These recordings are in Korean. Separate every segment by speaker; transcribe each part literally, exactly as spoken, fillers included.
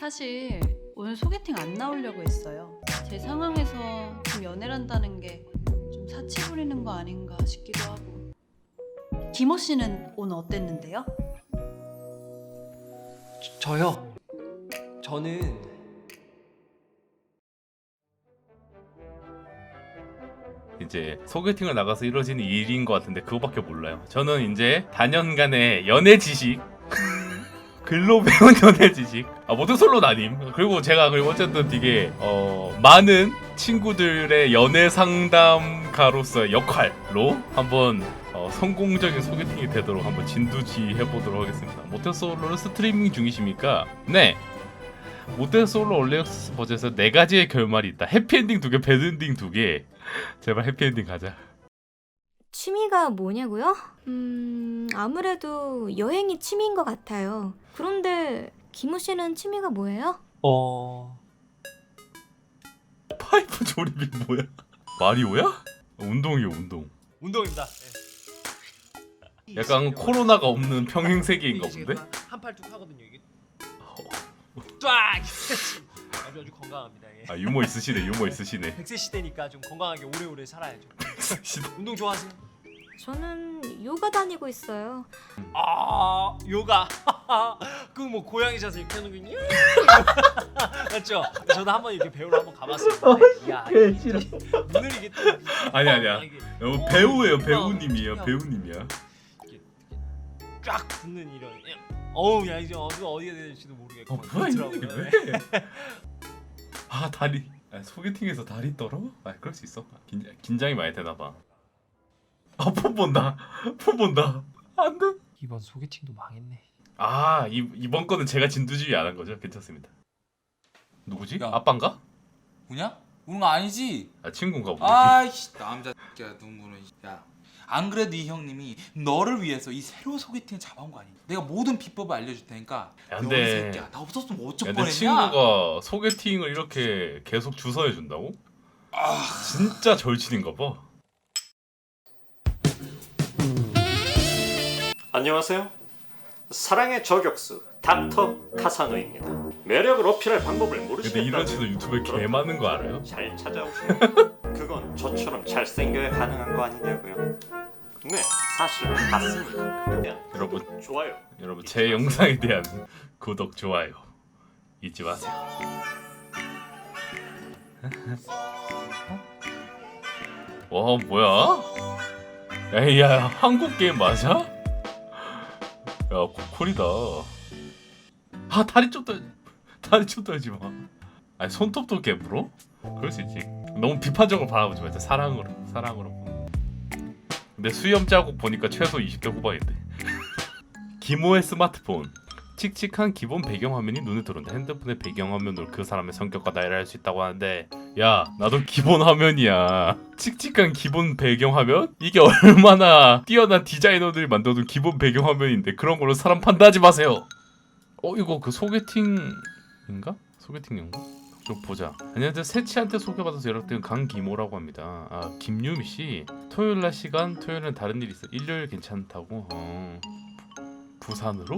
Speaker 1: 사실 오늘 소개팅 안 나오려고 했어요. 제 상황에서 좀 연애란다는 게 좀 사치 부리는 거 아닌가 싶기도 하고. 김호 씨는 오늘 어땠는데요?
Speaker 2: 저, 저요. 저는
Speaker 3: 이제 소개팅을 나가서 이루어지는 일인 것 같은데 그거밖에 몰라요. 저는 이제 다년간의 연애 지식 글로 배운 연애 지식 아 모태솔로 아님. 그리고 제가 그리고 어쨌든 되게 어 많은 친구들의 연애 상담가로서의 역할로 한번 어, 성공적인 소개팅이 되도록 한번 진두지휘 해보도록 하겠습니다. 모태솔로는 스트리밍 중이십니까? 네. 모태솔로 올레옥스 버전에서 네 가지의 결말이 있다. 해피엔딩 두 개, 배드엔딩 두 개. 제발 해피엔딩 가자.
Speaker 4: 취미가 뭐냐고요? 음, 아무래도 여행이 취미인 것 같아요. 그런데 김우 씨는 취미가 뭐예요?
Speaker 2: 어
Speaker 3: 파이프 조립이 뭐야? 마리오야? 어, 운동이요 운동.
Speaker 2: 운동입니다. 네.
Speaker 3: 약간 코로나가 없는 평행 세계인가 본데?
Speaker 2: 한팔뚝 하거든요 이게. 쫙. 아주 아주 건강합니다. 예.
Speaker 3: 아 유머 있으시네 유머 있으시네.
Speaker 2: 백 세 시대니까 좀 건강하게 오래오래 살아야죠.
Speaker 3: 시도-
Speaker 2: 운동 좋아하세요?
Speaker 4: 저는 요가 다니고 있어요.
Speaker 2: 아 요가. 그 뭐 고양이 자세 이렇게 하는 거냐? 맞죠? 저도 한번 이렇게 배우러 한번 가봤어요. 야,
Speaker 3: 개
Speaker 2: 이게
Speaker 3: 싫어.
Speaker 2: 눈을 이게 또
Speaker 3: 아니 아니야.
Speaker 2: 이게
Speaker 3: 어, 배우예요 배우님이에요 배우님이야.
Speaker 2: 쫙 붙는 이런. 어우 야 이제 어디 어디가 될지도 모르겠고.
Speaker 3: 어 뭐야 이
Speaker 2: 그렇더라고요.
Speaker 3: 놈이 왜? 아 다리 아, 소개팅에서 다리 떨어? 아 그럴 수 있어. 긴, 긴장이 많이 되나 봐. 아폰 본다 폰 본다 안 돼.
Speaker 2: 이번 소개팅도 망했네.
Speaker 3: 아 이, 이번 거는 제가 진두지휘 안 한 거죠? 괜찮습니다. 누구지?
Speaker 5: 야.
Speaker 3: 아빠인가?
Speaker 5: 우냐? 우는 거 아니지?
Speaker 3: 아 친구인가 보네.
Speaker 5: 아이씨 남자 새끼야 눈물은. 야안 그래도 이 형님이 너를 위해서 이 새로운 소개팅을 잡아온 거 아니야? 내가 모든 비법을 알려줄 테니까.
Speaker 3: 야,
Speaker 5: 너이
Speaker 3: 근데-
Speaker 5: 새끼야 나 없었으면 어쩔
Speaker 3: 야, 내
Speaker 5: 뻔했냐?
Speaker 3: 친구가 소개팅을 이렇게 계속 주선해 준다고?
Speaker 5: 아
Speaker 3: 진짜 절친인가 봐.
Speaker 6: 안녕하세요. 사랑의 저격수 닥터 카사노입니다. 매력을 어필할 방법을
Speaker 3: 근데
Speaker 6: 모르시겠다면
Speaker 3: 이런 채널 유튜브에 개 많은 거 알아요?
Speaker 6: 잘 찾아오세요. 그건 저처럼 잘생겨야 가능한 거 아니냐고요. 네, 사실 맞습니다. 그러면
Speaker 3: 여러분
Speaker 6: 좋아요.
Speaker 3: 여러분 제 영상에 대한 구독 좋아요 잊지 마세요. 와 뭐야? 야야 한국 게임 맞아? 야 고퀄이다. 아 다리 좀 떨, 다리 좀 떨지 마. 아니 손톱도 깨물어? 그럴 수 있지. 너무 비판적으로 바라보지 말자. 사랑으로 사랑으로. 근데 수염 자국 보니까 최소 이십 대 후반인데. 기모의 스마트폰. 칙칙한 기본 배경화면이 눈에 들어온다. 핸드폰의 배경화면으로 그 사람의 성격과 나이를 알 수 있다고 하는데 야 나도 기본 화면이야. 칙칙한 기본 배경화면? 이게 얼마나 뛰어난 디자이너들이 만들어둔 기본 배경화면인데 그런 걸로 사람 판단하지 마세요. 어 이거 그 소개팅인가? 소개팅인가? 좀 보자. 안녕하세요. 세치한테 소개받아서 연락된 강기모라고 합니다. 아 김유미씨 토요일날 시간? 토요일은 다른 일 있어. 일요일 괜찮다고? 어... 부산으로?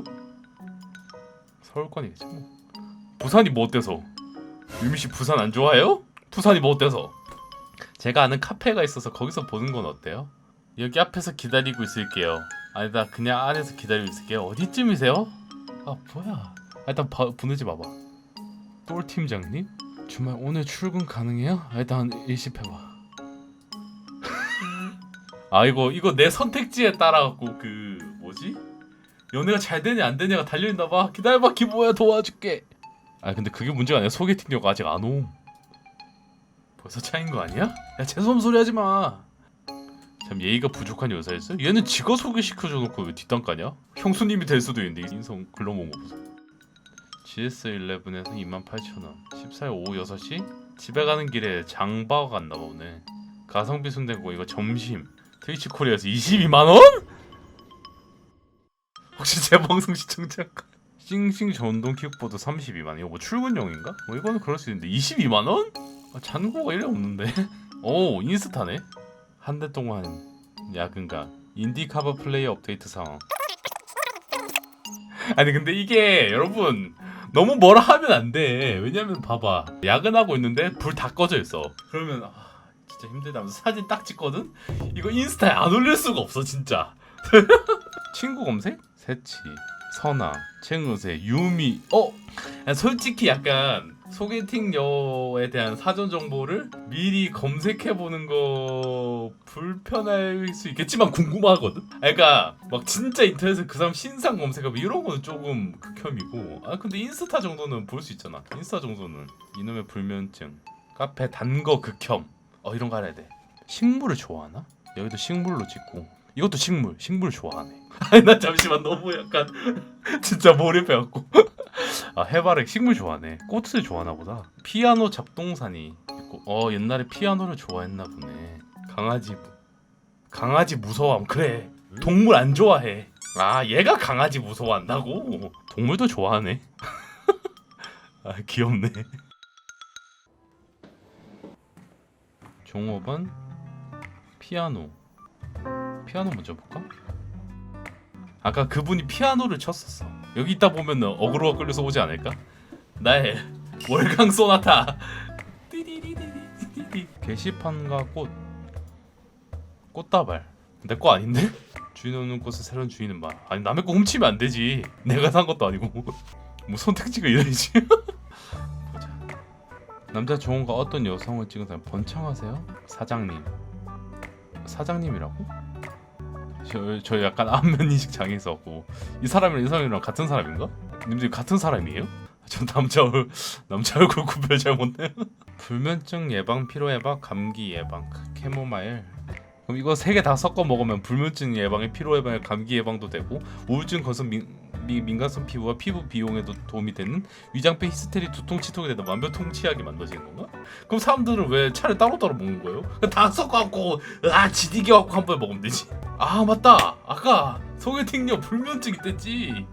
Speaker 3: 서울권이겠지 뭐. 부산이 뭐 어때서? 유미씨 부산 안 좋아해요? 부산이 뭐 어때서? 제가 아는 카페가 있어서 거기서 보는 건 어때요? 여기 앞에서 기다리고 있을게요. 아니다 그냥 안에서 기다리고 있을게요. 어디쯤이세요? 아 뭐야. 아, 일단 바, 보내지 마봐. 똘 팀장님? 주말 오늘 출근 가능해요? 아, 일단 일십해봐. 아 이거 이거 내 선택지에 따라갖고 그 뭐지? 연애가 잘 되냐 안 되냐가 달려있나봐. 기다려봐 기모야 도와줄게. 아 근데 그게 문제가 아니야. 소개팅료가 아직 안 옴. 벌써 차인 거 아니야? 야 재수없는 소리 하지마. 참 예의가 부족한 여자였어? 얘는 지가 소개시켜줘 놓고 왜 뒷담 까냐? 형수님이 될 수도 있는데 인성 글러먹은 거 보소. 지에스 십일에서 이만 팔천 원. 십사 일 오후 여섯 시? 집에 가는 길에 장바가 갔나봐 오늘. 가성비 순대고 이거 점심. 트위치 코리아에서 이십이만 원? 혹시 제 방송 시청자가? 싱싱 전동 킥보드 삼십이만 원. 이거 뭐 출근용인가? 뭐 이거는 그럴 수 있는데 이십이만 원? 아, 잔고가 일리 없는데. 오 인스타네. 한 달 동안 야근가. 인디 카버 플레이 업데이트 상황. 아니 근데 이게 여러분 너무 뭐라 하면 안 돼. 왜냐면 봐봐, 야근하고 있는데 불 다 꺼져 있어. 그러면 아, 진짜 힘들다 하면서 사진 딱 찍거든. 이거 인스타에 안 올릴 수가 없어 진짜. 친구 검색? 세치, 선아, 챙으세, 유미. 어? 솔직히 약간 소개팅녀에 대한 사전 정보를 미리 검색해 보는 거 불편할 수 있겠지만 궁금하거든. 그러니까 막 진짜 인터넷에 그 사람 신상 검색하고 이런 거는 조금 극혐이고. 아 근데 인스타 정도는 볼 수 있잖아. 인스타 정도는. 이놈의 불면증. 카페 단 거 극혐. 어 이런 거 알아야 돼. 식물을 좋아하나? 여기도 식물로 찍고. 이것도 식물. 식물 좋아하네. 아니 나 잠시만 너무 약간 진짜 몰입해갖고. 아 해바라기 식물 좋아하네. 꽃을 좋아하나 보다. 피아노 잡동사니 있고. 어 옛날에 피아노를 좋아했나 보네. 강아지 강아지 무서워함. 그래 동물 안 좋아해. 아 얘가 강아지 무서워한다고? 동물도 좋아하네. 아 귀엽네. 종업원 피아노. 피아노 먼저 볼까? 아까 그분이 피아노를 쳤었어. 여기 있다 보면 어그로가 끌려서 오지 않을까? 나의 월강 소나타. 띠디디디디디디. 게시판과 꽃. 꽃다발. 내 거 아닌데? 주인 없는 꽃을 새로운 주인은 말. 아니 남의 거 훔치면 안 되지. 내가 산 것도 아니고. 뭐 선택지가 이래야지. 보자. 남자 좋은가 어떤 여성을 찍은 사람 번창하세요? 사장님. 사장님이라고? 저, 저 약간 안면인식 장애 있었고. 이 사람이랑 이 사람이랑 같은 사람인가? 님들 같은 사람이에요? 저 남자 얼 남자 얼굴 구별 잘 못해요. 불면증 예방, 피로 예방, 감기 예방, 캐모마일. 그럼 이거 세 개 다 섞어 먹으면 불면증 예방에, 피로 예방에, 감기 예방도 되고, 우울증, 건성, 민, 미, 민감성 피부와 피부 비용에도 도움이 되는, 위장병, 히스테리, 두통, 치통에 대한 만병통치약이 만들어지는 건가? 그럼 사람들은 왜 차를 따로따로 먹는 거예요? 다 섞어갖고 아 지디게 갖고 한 번에 먹으면 되지. 아 맞다, 아까 소개팅녀 불면증 있댔지.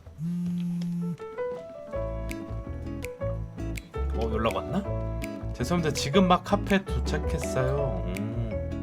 Speaker 3: 어 연락 왔나? 죄송합니다, 지금 막 카페 도착했어요. 음.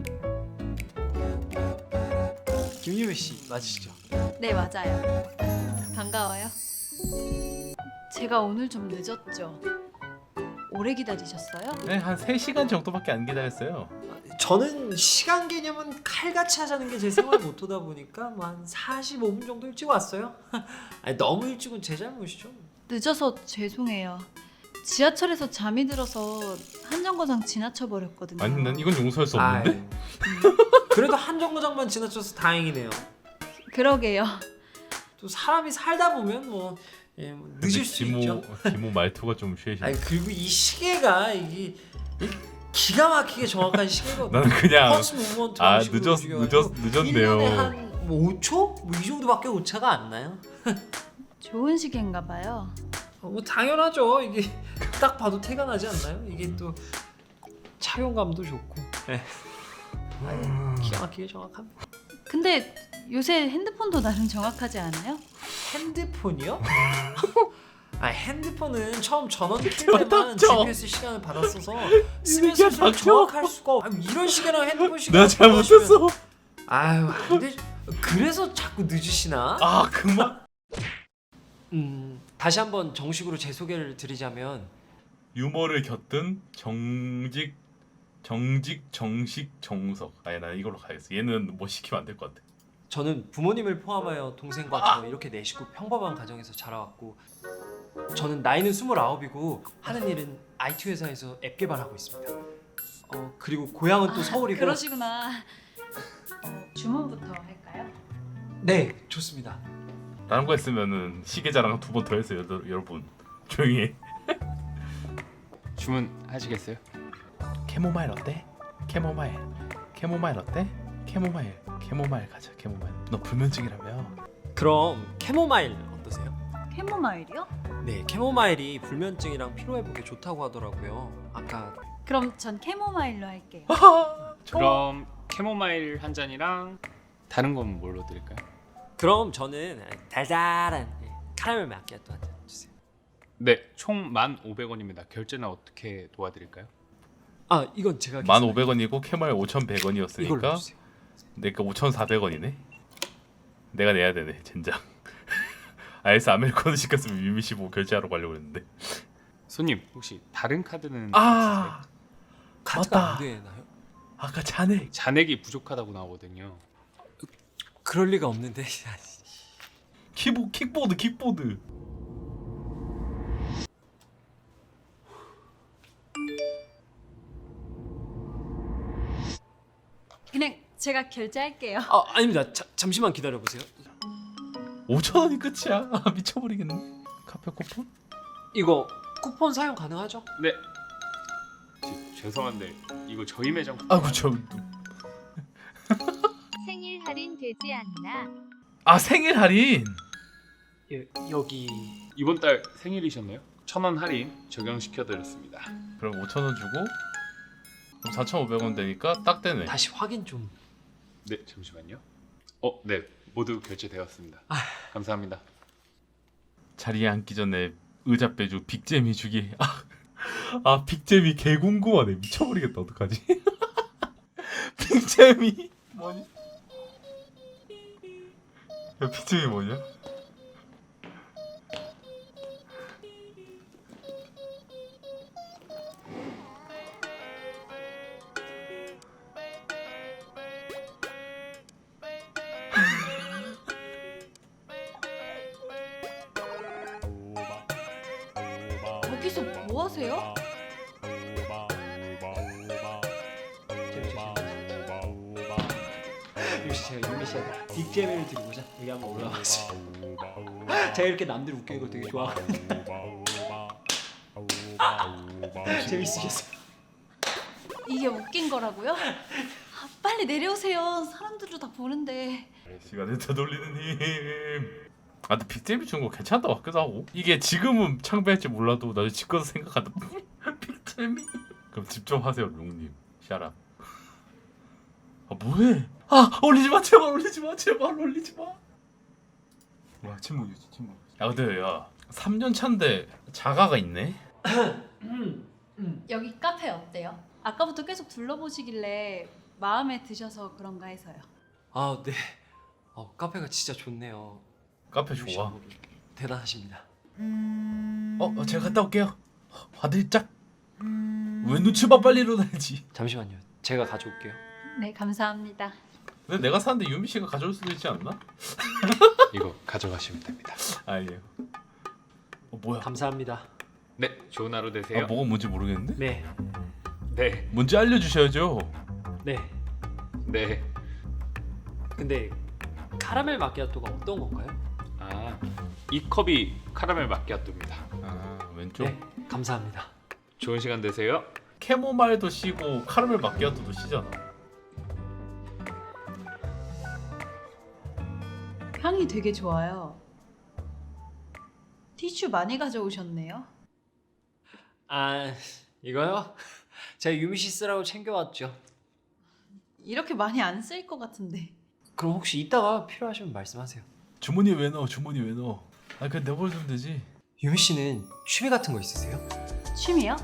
Speaker 2: 김유미 씨 맞으시죠?
Speaker 1: 네, 맞아요. 반가워요. 제가 오늘 좀 늦었죠? 오래 기다리셨어요?
Speaker 3: 네, 한 세 시간 정도밖에 안 기다렸어요.
Speaker 2: 저는 시간 개념은 칼같이 하자는 게 제 생활 모토다 보니까 뭐 한 사십오 분 정도 일찍 왔어요. 아니 너무 일찍은 제 잘못이죠.
Speaker 1: 늦어서 죄송해요. 지하철에서 잠이 들어서 한정거장 지나쳐 버렸거든요.
Speaker 3: 아니 난 이건 용서할 수 없는데?
Speaker 2: 아이, 그래도 한 정거장만 지나쳐서 다행이네요.
Speaker 1: 그러게요.
Speaker 2: 또 사람이 살다 보면 뭐, 예, 뭐 늦을 수
Speaker 3: 기모,
Speaker 2: 있죠.
Speaker 3: 기모 말투가 좀 쉐이시.
Speaker 2: 아니 그리고 이 시계가 이게 이 기가 막히게 정확한 시계거든요.
Speaker 3: 나는 그냥
Speaker 2: 펄스 무브먼트
Speaker 3: 아
Speaker 2: 식으로
Speaker 3: 늦었
Speaker 2: 움직여가지고
Speaker 3: 늦었 늦었네요.
Speaker 2: 일 년에 한 뭐 오 초? 뭐 이 정도밖에 오차가 안 나요.
Speaker 1: 좋은 시계인가 봐요.
Speaker 2: 어, 뭐 당연하죠. 이게 딱 봐도 태가 나지 않나요? 이게 또 착용감도 좋고. 네. 아유, 기가 막히게 정확합니다.
Speaker 1: 근데 요새 핸드폰도 나름 정확하지 않아요?
Speaker 2: 핸드폰이요? 아 핸드폰은 처음 전원 킬 때만
Speaker 3: 닥쳐.
Speaker 2: 지피에스 시간을 받았어서 쓰면
Speaker 3: 이게
Speaker 2: 쓸수록
Speaker 3: 닥쳐.
Speaker 2: 정확할 수가 없. 아니, 이런 시계랑 핸드폰 시간
Speaker 3: 내가 잘못했어.
Speaker 2: 아유 근데 그래서 자꾸 늦으시나?
Speaker 3: 아 그만.
Speaker 2: 음 다시 한번 정식으로 제 소개를 드리자면
Speaker 3: 유머를 곁든 정직 정직 정식 정석. 아니 나 이걸로 가야겠어. 얘는 뭐 시키면 안 될 것 같아.
Speaker 2: 저는 부모님을 포함하여 동생과 저 이렇게 네 식구 평범한 가정에서 자라왔고 저는 나이는 스물아홉이고 하는 일은 아이티 회사에서 앱 개발하고 있습니다. 어 그리고 고향은 또 서울이고.
Speaker 1: 그러시구나. 어, 주문부터 할까요?
Speaker 2: 네 좋습니다.
Speaker 3: 다른 거 했으면은 시계 자랑 두 번 더 했어요. 여러- 여러분 조용히 해.
Speaker 7: 주문하시겠어요?
Speaker 3: 캐모마일 어때? 캐모마일. 캐모마일 어때? 캐모마일. 캐모마일 가자. 캐모마일. 너 불면증이라며?
Speaker 2: 그럼 캐모마일 어떠세요?
Speaker 1: 캐모마일이요?
Speaker 2: 네 캐모마일이 불면증이랑 피로회복에 좋다고 하더라고요. 아까
Speaker 1: 그럼 전 캐모마일로 할게요.
Speaker 7: 그럼 캐모마일 한 잔이랑 다른 건 뭘로 드릴까요?
Speaker 2: 그럼 저는 달달한 카라멜 마키아토 한 잔 주세요.
Speaker 7: 네, 총 만 오백 원입니다. 결제는 어떻게 도와드릴까요?
Speaker 2: 아 이건 제가
Speaker 3: 만 오백 원이고 캐모마일 오천백
Speaker 2: 이걸로
Speaker 3: 원이었으니까
Speaker 2: 주세요.
Speaker 3: 내가 오천사백 원이네. 내가 내야 되네 젠장. 아이스 아메리카노 시켰으면 유미 씨 보고 결제하러 가려고 했는데.
Speaker 7: 손님 혹시 다른 카드는
Speaker 3: 아
Speaker 2: 카드가
Speaker 3: 맞다.
Speaker 2: 안 되나요?
Speaker 3: 아까 잔액.
Speaker 7: 잔액이 부족하다고 나오거든요.
Speaker 2: 그럴 리가 없는데.
Speaker 3: 키보 킥보드 킥보드.
Speaker 1: 그냥 제가 결제할게요.
Speaker 2: 아 아닙니다. 자, 잠시만 기다려 보세요.
Speaker 3: 오천 원이 끝이야. 아, 미쳐버리겠네. 카페 쿠폰?
Speaker 2: 이거 쿠폰 사용 가능하죠?
Speaker 7: 네. 지- 죄송한데 이거 저희 매장
Speaker 3: 아이고 저.
Speaker 8: 생일 할인 되지 않나?
Speaker 3: 아 생일 할인.
Speaker 2: 예, 여기
Speaker 7: 이번 달 생일이셨나요? 천 원 할인 적용시켜 드렸습니다.
Speaker 3: 그럼 오천 원 주고 그럼 사천오백 원 되니까 딱 되네.
Speaker 2: 다시 확인 좀.
Speaker 7: 네, 잠시만요. 어, 네. 모두 결제되었습니다. 감사합니다.
Speaker 3: 자리에 앉기 전에 의자 빼주 빅잼이 주기. 아, 아 빅잼이 개 궁금하네. 미쳐버리겠다. 어떡하지? 빅잼이 뭐니? 야 빅잼이 뭐냐?
Speaker 1: 거기서 뭐 하세요?
Speaker 2: 역시 제가 유미 씨한테 빅잼을 드리고자 여기 한번 올라왔어요. 제가 이렇게 남들 웃기는 거 되게 좋아하거든요. 재밌으셨어요?
Speaker 1: 이게 웃긴 거라고요? 아, 빨리 내려오세요. 사람들도 다 보는데.
Speaker 3: 시간을 되돌리는 힘. 아 근데 빅잼이 준 거 괜찮다 같기도 하고. 이게 지금은 창피할지 몰라도 나중에 집 가서 생각하다 빅잼이. 그럼 집 좀 하세요 롱님. 샤라. 아 뭐해? 아 올리지 마 제발 올리지 마 제발 올리지 마. 와 침묵이지 침묵. 야 근데 야 삼 년 차인데 자가가 있네.
Speaker 1: 여기 카페 어때요? 아까부터 계속 둘러보시길래 마음에 드셔서 그런가 해서요.
Speaker 2: 아 네. 어, 카페가 진짜 좋네요.
Speaker 3: 카페
Speaker 2: 유미 씨
Speaker 3: 좋아.
Speaker 2: 너무 대단하십니다.
Speaker 3: 어, 어 제가 갔다 올게요. 화들짝. 왜 눈치봐 빨리 일어나야지.
Speaker 2: 잠시만요. 제가 가져올게요.
Speaker 1: 네, 감사합니다.
Speaker 3: 근데 내가 사는데 유미 씨가 가져올 수도 있지 않나?
Speaker 7: 이거 가져가시면 됩니다.
Speaker 3: 아니에요. 어 뭐야?
Speaker 2: 감사합니다.
Speaker 7: 네, 좋은 하루 되세요.
Speaker 3: 아 뭐가 뭔지 모르겠는데?
Speaker 2: 네.
Speaker 7: 네.
Speaker 3: 뭔지 알려주셔야죠.
Speaker 2: 네.
Speaker 7: 네.
Speaker 2: 근데 카라멜 마키아토가 어떤 건가요?
Speaker 7: 아, 이 컵이 카라멜 마키아토입니다.
Speaker 3: 아 왼쪽.
Speaker 2: 네. 감사합니다.
Speaker 7: 좋은 시간 되세요.
Speaker 3: 캐모마일도 시고 카라멜 마키아토도 시잖아.
Speaker 1: 향이 되게 좋아요. 티슈 많이 가져오셨네요.
Speaker 2: 아 이거요? 제가 유미 씨 쓰라고 챙겨왔죠.
Speaker 1: 이렇게 많이 안 쓸 것 같은데.
Speaker 2: 그럼 혹시 이따가 필요하시면 말씀하세요.
Speaker 3: 주머니 왜 넣어? 주머니 왜 넣어? 아 그냥 내버려두면 되지.
Speaker 2: 유미 씨는 취미 같은 거 있으세요?
Speaker 1: 취미요?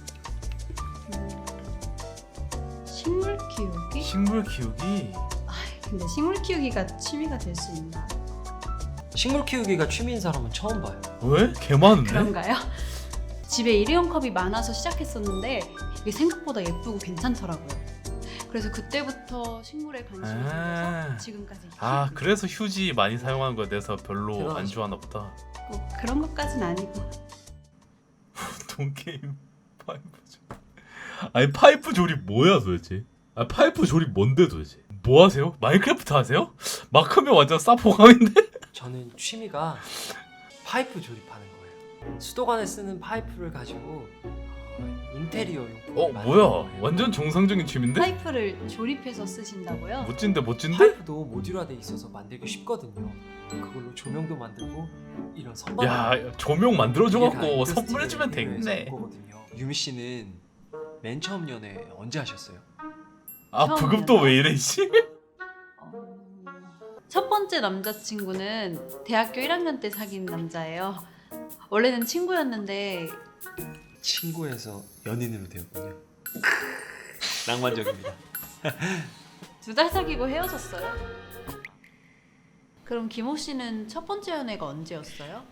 Speaker 1: 음, 식물 키우기?
Speaker 3: 식물 키우기.
Speaker 1: 근데 식물 키우기가 취미가 될 수 있나?
Speaker 2: 식물 키우기가 취미인 사람은 처음 봐요.
Speaker 3: 왜? 개 많은데?
Speaker 1: 그런가요? 집에 일회용 컵이 많아서 시작했었는데 이게 생각보다 예쁘고 괜찮더라고요. 그래서 그때부터 식물에 관심이
Speaker 3: 아.
Speaker 1: 생겨서 지금까지
Speaker 3: 아
Speaker 1: 키우고
Speaker 3: 그래서 휴지 많이 사용하는 거에 대해서 별로 안
Speaker 2: 대단하시다.
Speaker 3: 좋아하나 보다.
Speaker 1: 있고 그런 것까진 아니고.
Speaker 3: 돈 게임 파이프 조립. 아니 파이프 조립 뭐야 도대체? 아 파이프 조립 뭔데 도대체? 뭐 하세요? 마인크래프트 하세요? 마크면 완전 싸포감인데?
Speaker 2: 저는 취미가 파이프 조립하는 거예요. 수도관에 쓰는 파이프를 가지고 어, 인테리어 용품.
Speaker 3: 어 뭐야? 완전 정상적인 취미인데?
Speaker 1: 파이프를 조립해서 쓰신다고요?
Speaker 3: 멋진데 멋진데?
Speaker 2: 파이프도 모듈화돼 있어서 만들기 쉽거든요. 그걸로 조명도 만들고 이런 선반.
Speaker 3: 야 조명 만들어줘갖고 선물해주면 되겠네.
Speaker 2: 유미 씨는 맨 처음 연애 언제 하셨어요?
Speaker 3: 아
Speaker 1: 처음이야.
Speaker 3: 부급도 왜 이래 씨?
Speaker 1: 어, 첫 번째 남자친구는 대학교 일 학년 때 사귄 남자예요. 원래는 친구였는데
Speaker 2: 친구에서 연인으로 되었군요. 낭만적입니다.
Speaker 1: 두 달 사귀고 헤어졌어요. 그럼 김호 씨는 첫 번째 연애가 언제였어요?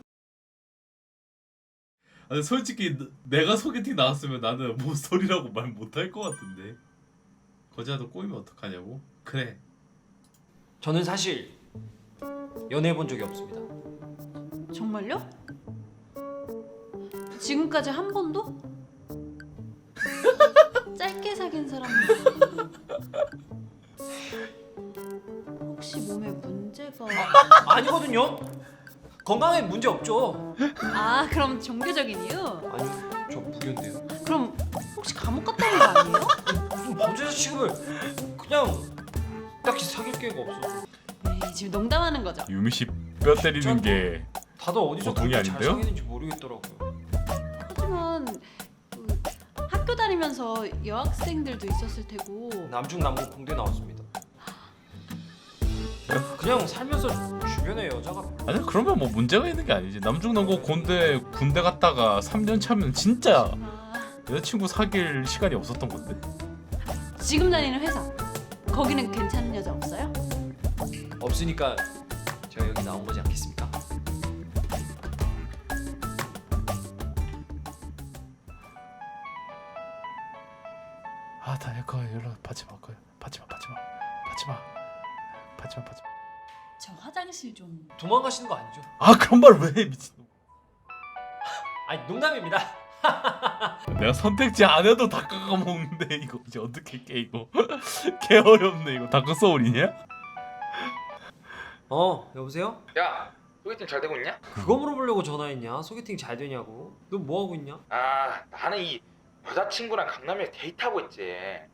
Speaker 3: 아니 솔직히 너- 내가 소개팅 나왔으면 나는 모쏠이라고 말 못할 것 같은데. 거지라도 꼬이면 어떡하냐고? 그래.
Speaker 2: 저는 사실 연애해 본 적이 없습니다.
Speaker 1: 정말요? 지금까지 한 번도? 짧게 사귄 사람 혹시 몸에 문제가
Speaker 2: 아니거든요. 건강에 문제 없죠.
Speaker 1: 아 그럼 종교적인 이유?
Speaker 2: 아니요, 저 무교인데요.
Speaker 1: 그럼 혹시 감옥 갔다 온 거 아니에요?
Speaker 2: 무슨 범죄자 취급을 그냥 딱히 사귈 계획가 없어.
Speaker 1: 에이, 지금 농담하는 거죠?
Speaker 3: 유미 씨 뼈 때리는
Speaker 2: 전-
Speaker 3: 게
Speaker 2: 다들 어디서
Speaker 3: 보통이
Speaker 2: 그렇게 잘
Speaker 3: 아닌데요?
Speaker 2: 사귀는지 모르겠더라고요.
Speaker 1: 하지만 그 학교 다니면서 여학생들도 있었을 테고
Speaker 2: 남중 남고 공대 나왔습니다. 그냥 살면서 주변에 여자가 별로
Speaker 3: 아니 그러면 뭐 문제가 있는 게 아니지. 남중남고 군대 군대 갔다가 삼 년 차면 진짜
Speaker 1: 아,
Speaker 3: 여자친구 사귈 시간이 없었던 건데.
Speaker 1: 지금 다니는 회사 거기는 괜찮은 여자 없어요?
Speaker 2: 없으니까 제가 여기 나온 거지 않겠습니까?
Speaker 3: 아, 다 내거 연락 받지 마, 거야. 받지 마, 받지 마, 받지 마, 받지 마, 받지 마.
Speaker 1: 저 화장실 좀
Speaker 2: 도망가시는 거 아니죠?
Speaker 3: 아 그런 말 왜 해, 미친.
Speaker 2: 아니 농담입니다.
Speaker 3: 내가 선택지 안 해도 다 깎아 먹는데 이거 이제 어떻게 깨 이거. 개 어렵네 이거. 다크 소울이냐?
Speaker 2: 어 여보세요?
Speaker 5: 야, 소개팅 잘 되고 있냐?
Speaker 2: 그거 물어보려고 전화했냐? 소개팅 잘 되냐고? 너 뭐 하고 있냐?
Speaker 5: 아, 나는 이 여자친구랑 강남에 데이트하고 있지.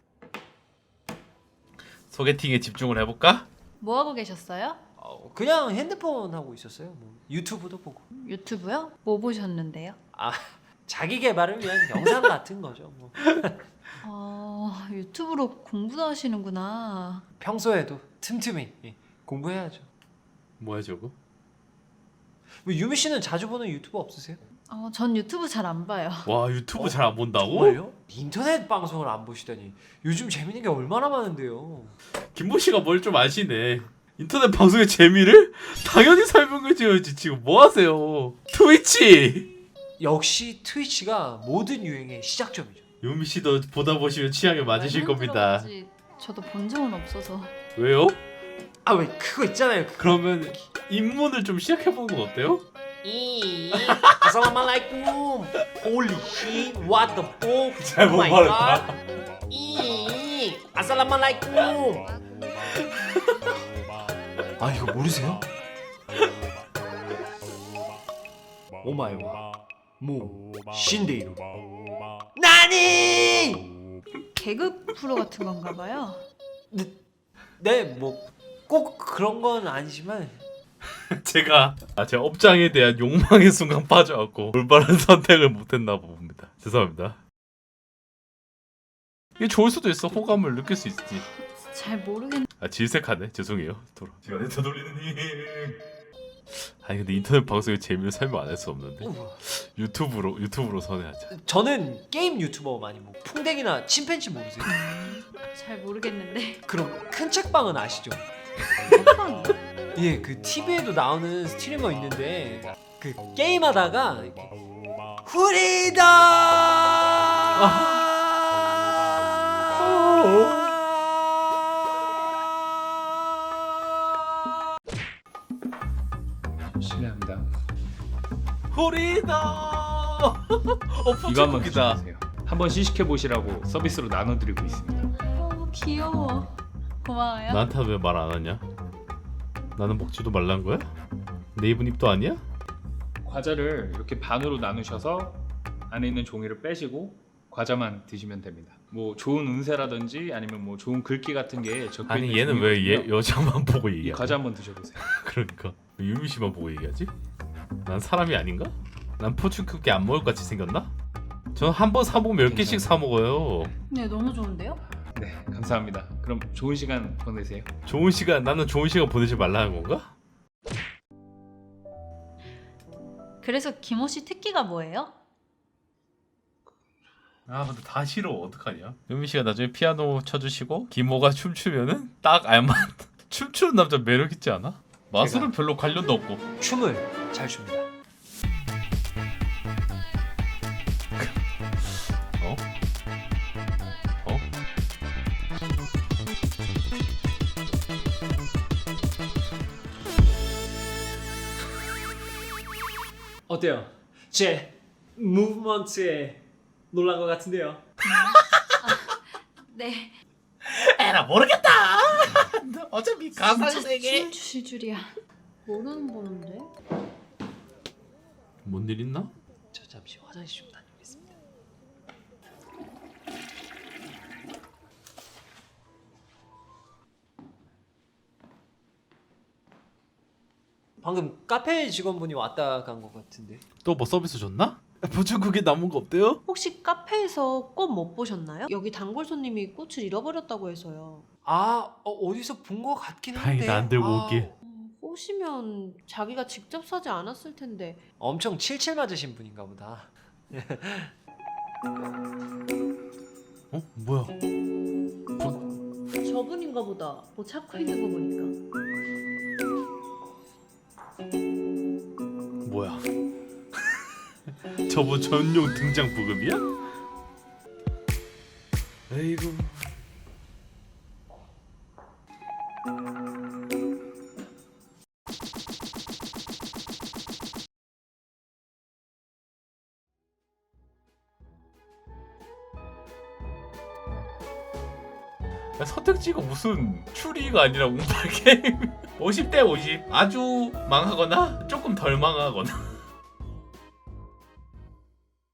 Speaker 3: 소개팅에 집중을 해볼까?
Speaker 1: 뭐 하고 계셨어요?
Speaker 2: 어, 그냥 핸드폰 하고 있었어요. 뭐 유튜브도 보고.
Speaker 1: 유튜브요? 뭐 보셨는데요?
Speaker 2: 아 자기 개발을 위한 영상 같은 거죠. 뭐.
Speaker 1: 어, 유튜브로 공부도 하시는구나.
Speaker 2: 평소에도 틈틈이 예, 공부해야죠.
Speaker 3: 뭐야 저거?
Speaker 2: 뭐 유미 씨는 자주 보는 유튜버 없으세요?
Speaker 1: 어, 전 유튜브 잘 안 봐요.
Speaker 3: 와 유튜브
Speaker 2: 어?
Speaker 3: 잘 안 본다고?
Speaker 2: 정말요? 인터넷 방송을 안 보시다니. 요즘 재밌는 게 얼마나 많은데요.
Speaker 3: 김보 씨가 뭘 좀 아시네. 인터넷 방송의 재미를 당연히 설명해 줘야지. 지금 뭐 하세요? 트위치.
Speaker 2: 역시 트위치가 모든 유행의 시작점이죠.
Speaker 3: 유미 씨도 보다 보시면 취향에 맞으실
Speaker 1: 말만
Speaker 3: 겁니다.
Speaker 1: 들어보지 저도 본 적은 없어서.
Speaker 3: 왜요?
Speaker 2: 아 왜 그거 있잖아요. 그-
Speaker 3: 그러면 입문을 좀 시작해 보는 건 어때요?
Speaker 2: 이 아살라말라이쿰 홀리 씨 what the fuck
Speaker 3: 잘못
Speaker 2: Oh my
Speaker 3: 말했다.
Speaker 2: God. 이 아살라말라이쿰 아 이거 모르세요? 오마이와 모 신데이루 나니
Speaker 1: 개그 프로 같은 건가 봐요.
Speaker 2: 네 뭐 꼭 그런 건 아니지만
Speaker 3: 제가 아, 제 업장에 대한 욕망의 순간 빠져갖고 올바른 선택을 못했나 봅니다. 죄송합니다. 이게 좋을 수도 있어. 호감을 느낄 수 있지.
Speaker 1: 잘 모르겠.
Speaker 3: 아 질색하네. 죄송해요. 돌아. 시간에 되돌리는 힘. 아니 근데 인터넷 방송의 재미를 설명 안 할 수 없는데
Speaker 2: 우와.
Speaker 3: 유튜브로 유튜브로 선회하자.
Speaker 2: 저는 게임 유튜버 많이 뭐 풍뎅이나 침팬지 모르세요?
Speaker 1: 잘 모르겠는데.
Speaker 2: 그럼 큰 책방은 아시죠? 예, 그 티비에도 나오는 스트리머 있는데 그 게임하다가 이렇게 후리다
Speaker 7: 실례합니다.
Speaker 3: 호리다. 어
Speaker 7: 이거 한번
Speaker 3: 포착국이다.
Speaker 7: 드셔보세요. 한번 시식해 보시라고 서비스로 나눠드리고 있습니다.
Speaker 1: 어, 귀여워. 고마워요.
Speaker 3: 나한테 왜 말 안 하냐? 나는 먹지도 말란 거야? 내 입은 입도 아니야?
Speaker 7: 과자를 이렇게 반으로 나누셔서 안에 있는 종이를 빼시고 과자만 드시면 됩니다. 뭐 좋은 운세라든지 아니면 뭐 좋은 글귀 같은 게 적혀 있는
Speaker 3: 아니 얘는 왜 얘,
Speaker 7: 종이거든요.
Speaker 3: 여자만 보고
Speaker 7: 이
Speaker 3: 얘기하냐?
Speaker 7: 과자 한번 드셔보세요.
Speaker 3: 그러니까 왜 유미 씨만 보고 얘기하지? 난 사람이 아닌가? 난 포춘 쿠키 안 먹을 것 같이 생겼나? 저는 한 번 사 먹으면 몇 개씩 사 먹어요.
Speaker 1: 네, 너무 좋은데요?
Speaker 7: 네, 감사합니다. 그럼 좋은 시간 보내세요.
Speaker 3: 좋은 시간 나는 좋은 시간 보내지 말라는 건가?
Speaker 1: 그래서 김호 씨 특기가 뭐예요?
Speaker 3: 아 근데 다 싫어. 어떡하냐? 유미 씨가 나중에 피아노 쳐주시고 김호가 춤추면은 딱 알만. 춤추는 남자 매력 있지 않아? 마술은
Speaker 2: 제가
Speaker 3: 별로 관련도 없고.
Speaker 2: 춤을 잘 춥니다.
Speaker 3: 어? 어?
Speaker 2: 어때요? 제 무브먼트에 놀란 것 같은데요.
Speaker 1: 네.
Speaker 3: 에라 모르겠다. 어차피 가상 세계.
Speaker 1: 춤 추실 줄이야. 모르는 번호인데?
Speaker 3: 뭔 일 있나?
Speaker 2: 저 잠시 화장실 좀 다녀오겠습니다. 방금 카페 직원분이 왔다 간 것 같은데.
Speaker 9: 또 뭐 서비스 줬나? 보증국에 남은 거 없대요?
Speaker 10: 혹시 카페에서 꽃 못 보셨나요? 여기 단골 손님이 꽃을 잃어버렸다고 해서요.
Speaker 2: 아 어, 어디서 본 것 같긴 한데.
Speaker 9: 다행이다, 안 들고
Speaker 2: 아,
Speaker 9: 오길.
Speaker 10: 꽃이면 자기가 직접 사지 않았을 텐데.
Speaker 2: 엄청 칠칠 맞으신 분인가 보다.
Speaker 9: 어? 뭐야?
Speaker 10: 저분인가 보다. 뭐 찾고 있는 거 보니까.
Speaker 9: 뭐야? 저분 전용 등장 부급이야? 에이구.
Speaker 3: 야, 선택지가 무슨 추리가 아니라 운빨 게임. 오십 대 오십. 아주 망하거나 조금 덜 망하거나.